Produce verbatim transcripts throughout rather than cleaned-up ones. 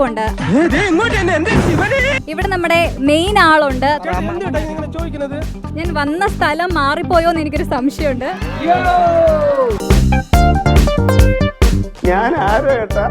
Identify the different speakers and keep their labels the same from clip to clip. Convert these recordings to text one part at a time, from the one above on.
Speaker 1: ഒളിച്ചിരിപ്പുണ്ട്. ഇവിടെ നമ്മുടെ മെയിൻ ആളുണ്ട്. ഞാൻ വന്ന സ്ഥലം മാറിപ്പോയോന്ന് എനിക്കൊരു സംശയമുണ്ട്.
Speaker 2: ഞാൻ ആരോ ഏട്ടാ.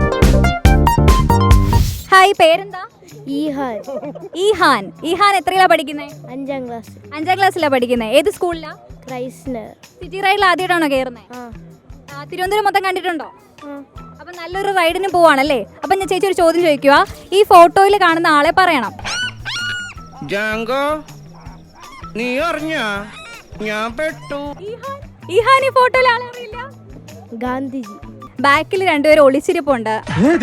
Speaker 1: ഹായ്, പേരെന്താ?
Speaker 3: ഈഹാൻ.
Speaker 1: ഈഹാൻ. ഈഹാൻ എത്രയിലാ പഠിക്കുന്നത്?
Speaker 3: അഞ്ചാം ക്ലാസ്.
Speaker 1: അഞ്ചാം ക്ലാസ്സിലാ പഠിക്കുന്നത്. ഏത് സ്കൂളിലാ?
Speaker 3: ക്രൈസ്നർ.
Speaker 1: സിറ്റി റൈഡിൽ ആദ്യമായിട്ടാണോ കയറുന്നത്?
Speaker 3: ആ.
Speaker 1: തിരുവനന്തപുരം മൊത്തം കണ്ടിട്ടുണ്ടോ?
Speaker 3: ആ.
Speaker 1: അപ്പം നല്ലൊരു റൈഡിന് പോവാണല്ലേ. അപ്പം ഞാൻ ചേച്ചി ഒരു ചോദ്യം ചോദിക്കുക. ഈ ഫോട്ടോയിൽ കാണുന്ന ആളെ പറയണം.
Speaker 4: ജാങ്കോ, നീ അറിഞ്ഞാ ഞാൻ പെട്ടു.
Speaker 1: ഈഹാൻ ഈ ഫോട്ടോയിൽ ആളെ അറിയില്ല?
Speaker 3: ഗാന്ധിജി.
Speaker 1: ബാക്കിൽ രണ്ടുപേരും ഒളിച്ചിരിപ്പുണ്ട്.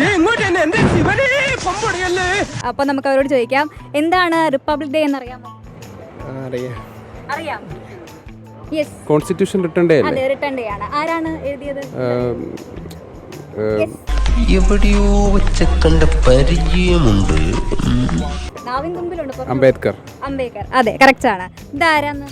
Speaker 1: അപ്പൊ നമുക്ക് അവരോട് ചോദിക്കാം, എന്താണ് റിപ്പബ്ലിക് ഡേ എന്ന് അറിയാമോ? അറിയാം. യെസ്,
Speaker 2: കോൺസ്റ്റിറ്റ്യൂഷൻ റിട്ടേൺ ഡേ
Speaker 1: അതെ, റിട്ടേൺ ഡേ ആണ്. ആരാണ് എഴുതിയത്?
Speaker 5: എവിടെയോ വെച്ച് കണ്ട പരിചയമുണ്ട്.
Speaker 1: നാവിൻ തുമ്പിലുണ്ട്.
Speaker 2: അംബേദ്കർ.
Speaker 1: അംബേദ്കർ, അതെ, കറക്റ്റ് ആണ്. ഇതാരാന്ന്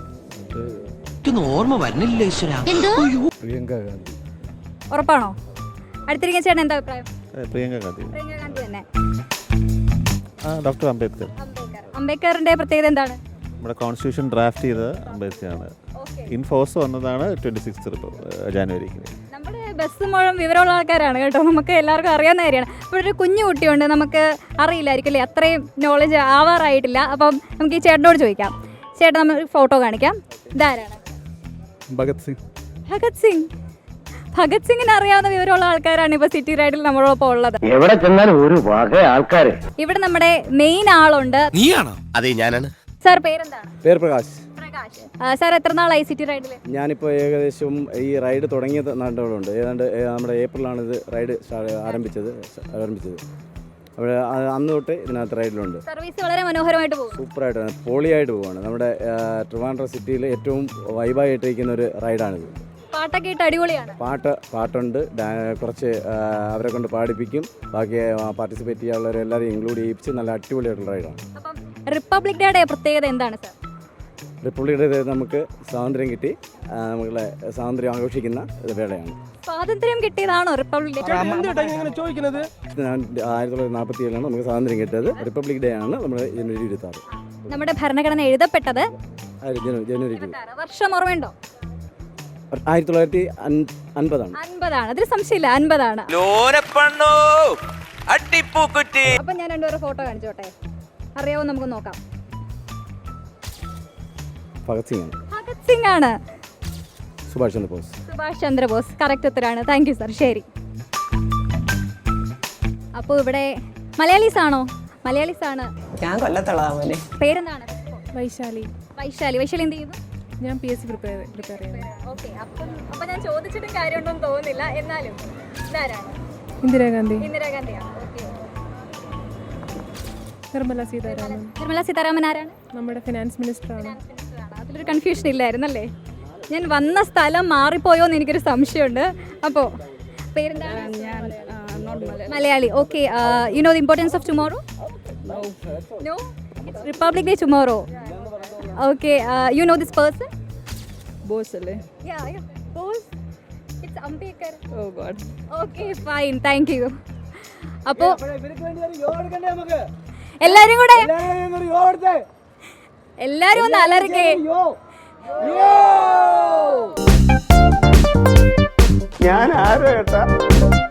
Speaker 5: ഓർമ്മ വരുന്നില്ല ഈശ്വരാ.
Speaker 2: പ്രിയങ്ക ഗാന്ധി.
Speaker 1: ഉറപ്പാണോ? അടുത്തിരിക്കുന്ന ചേട്ടൻ എന്താ അഭിപ്രായം?
Speaker 2: പ്രിയങ്ക ഗാന്ധി.
Speaker 1: പ്രിയങ്ക ഗാന്ധി തന്നെ.
Speaker 2: ഡോക്ടർ അംബേദ്കർ.
Speaker 1: അംബേദ്കർ. അംബേദ്കറിന്റെ പ്രത്യേകത എന്താണ്?
Speaker 6: നമ്മുടെ കോൺസ്റ്റിറ്റ്യൂഷൻ ഡ്രാഫ്റ്റ് ചെയ്തത് അംബേദ്കറാണ്. ഇൻഫോഴ്സ് വന്നതാണ് ട്വന്റി സിക്സ് ജാനുവരിക്ക്.
Speaker 1: നമ്മുടെ ബസ് മുഴുവൻ വിവരമുള്ള ആൾക്കാരാണ് കേട്ടോ. നമുക്ക് എല്ലാവർക്കും അറിയാവുന്ന കാര്യമാണ്. ഇപ്പോൾ ഒരു കുഞ്ഞു കുട്ടിയുണ്ട്, നമുക്ക് അറിയില്ലായിരിക്കും അല്ലേ, അത്രയും നോളജ് ആവാറായിട്ടില്ല. അപ്പം നമുക്ക് ഈ ചേട്ടനോട് ചോദിക്കാം. ചേട്ടൻ നമ്മൾ ഫോട്ടോ കാണിക്കാം. ഇതാരാണ്?
Speaker 2: ഭഗത് സിംഗ്.
Speaker 1: ഭഗത് സിംഗ്. ഭഗത് സിംഗിന് അറിയാവുന്ന വിവരമുള്ള ആൾക്കാരാണ് ഇപ്പോൾ സിറ്റി റൈഡിൽ നമ്മളോടൊപ്പം ഉള്ളത്.
Speaker 2: എവിടെ ചെന്നാലും ഒരു വക ആൾക്കാര്.
Speaker 1: ഇവിടെ നമ്മുടെ മെയിൻ ആളുണ്ട്.
Speaker 5: നീയാണോ? അതെ, ഞാനാണ്.
Speaker 1: സാർ പേരെന്താണ്?
Speaker 7: പേര് പ്രകാശ്.
Speaker 1: പ്രകാശ്. സാർ എത്ര നാളായി സിറ്റി റൈഡിൽ?
Speaker 7: ഞാനിപ്പോൾ ഏകദേശം ഈ റൈഡ് തുടങ്ങിയത് നാട്ടുകളുണ്ട്. ഏതാണ്ട് നമ്മുടെ ഏപ്രിലാണ് ഇത് റൈഡ് ആരംഭിച്ചത് ആരംഭിച്ചത് അവിടെ അന്ന് തൊട്ട് ഇതിനകത്ത് റൈഡിലുണ്ട്.
Speaker 1: സർവീസ് വളരെ മനോഹരമായിട്ട് പോകും.
Speaker 7: സൂപ്പറായിട്ടാണ്, പോളിയായിട്ട് പോവാണ്. നമ്മുടെ ട്രിവാൻഡ്രം സിറ്റിയിൽ ഏറ്റവും വൈബായിട്ടിരിക്കുന്ന ഒരു റൈഡാണിത്.
Speaker 1: പാട്ടൊക്കെ ഇട്ട് അടിപൊളിയാണ്.
Speaker 7: പാട്ട് പാട്ടുണ്ട്, കുറച്ച് അവരെ കൊണ്ട് പാടിപ്പിക്കും. ബാക്കി പാർട്ടിസിപ്പേറ്റ് ചെയ്യാനുള്ളവരെല്ലാവരും ഇൻക്ലൂഡ് ചെയ്യിപ്പിച്ച് നല്ല അടിപൊളിയായിട്ടുള്ള റൈഡാണ്.
Speaker 1: അപ്പം റിപ്പബ്ലിക് ഡേയുടെ പ്രത്യേകത എന്താണ് സാർ?
Speaker 7: റിപ്പബ്ലിക് ഡേ നമുക്ക് സ്വാതന്ത്ര്യം കിട്ടി, നമ്മളെ സ്വാതന്ത്ര്യം ആഘോഷിക്കുന്ന വേളയാണ്.
Speaker 1: സ്വാതന്ത്ര്യം കിട്ടിയതാണോ റിപ്പബ്ലിക് ഡേ?
Speaker 7: ചോദിക്കുന്നത് ആയിരത്തി തൊള്ളായിരത്തി നാൽപ്പത്തി ഏഴിലാണ് നമുക്ക് സ്വാതന്ത്ര്യം കിട്ടിയത്. റിപ്പബ്ലിക് ഡേ ആണ് നമ്മുടെ ജനുവരി ഇരുപത്തി ആറ്.
Speaker 1: നമ്മുടെ ഭരണഘടന എഴുതപ്പെട്ടത്
Speaker 7: ജനുവരി ഇരുപത്തി ആറ്.
Speaker 1: വർഷം ഓർമ്മയുണ്ടോ?
Speaker 7: ആയിരത്തി തൊള്ളായിരത്തി അൻപതാണ്.
Speaker 1: അൻപതാണ്, അതിൽ സംശയമില്ല, അൻപതാണ്. അപ്പൊ ഞാൻ രണ്ടുപേരും ഫോട്ടോ കാണിച്ചോട്ടെ, അറിയാവോ നമുക്ക് നോക്കാം.
Speaker 7: ഭഗത് സിംഗ് ആണ്.
Speaker 1: ഭഗത് സിംഗ് ആണ്.
Speaker 7: സുഭാഷ് ചന്ദ്രബോസ്.
Speaker 1: സുഭാഷ് ചന്ദ്രബോസ് കറക്റ്റ് ഉത്തരാണ്. Thank you sir. ശരി. അപ്പോൾ ഇവിടെ മലയാളീസ് ആണോ? മലയാളീസ് ആണ്.
Speaker 8: ഞാൻ കൊല്ലത്തുള്ളതാണ്.
Speaker 1: പേരെന്താണ്?
Speaker 8: വൈശാലി.
Speaker 1: വൈശാലി. വൈശാലി എന്ത് ചെയ്യുന്നു?
Speaker 8: ഞാൻ P S C prepare prepare ചെയ്യുന്നു.
Speaker 1: ഓക്കെ. അപ്പം അപ്പം ഞാൻ ചോദിച്ചിട്ടും കാര്യമുണ്ടോന്ന് തോന്നുന്നില്ല. എന്നാലും ഇതാരാണ്?
Speaker 8: ഇന്ദിരാഗാന്ധി.
Speaker 1: ഇന്ദിരാഗാന്ധിയാണ്. ഓക്കെ.
Speaker 8: നിർമ്മല സീതാരാമൻ.
Speaker 1: നിർമ്മല സീതാരാമൻ ആരാണ്?
Speaker 8: നമ്മുടെ ഫിനാൻസ് മിനിസ്റ്ററാണ്.
Speaker 1: അതിലൊരു കൺഫ്യൂഷൻ ഇല്ലായിരുന്നല്ലേ. ഞാൻ വന്ന സ്ഥലം മാറിപ്പോയോന്ന് എനിക്കൊരു സംശയമുണ്ട്. അപ്പോൾ പേരെന്താണ്? Malayali. Okay. You know the importance of tomorrow? No. It's republic day tomorrow. Okay, uh, you know this person?
Speaker 8: Bose alle.
Speaker 1: Yeah, yeah. Bose. It's Ambedkar.
Speaker 8: Oh God.
Speaker 1: Okay, fine. Thank you. അപ്പോൾ എല്ലാരും കൂടെ എല്ലാരും ഒന്ന് അലറിക്കേ.
Speaker 2: ഞാൻ ആരോ ഏട്ടാ.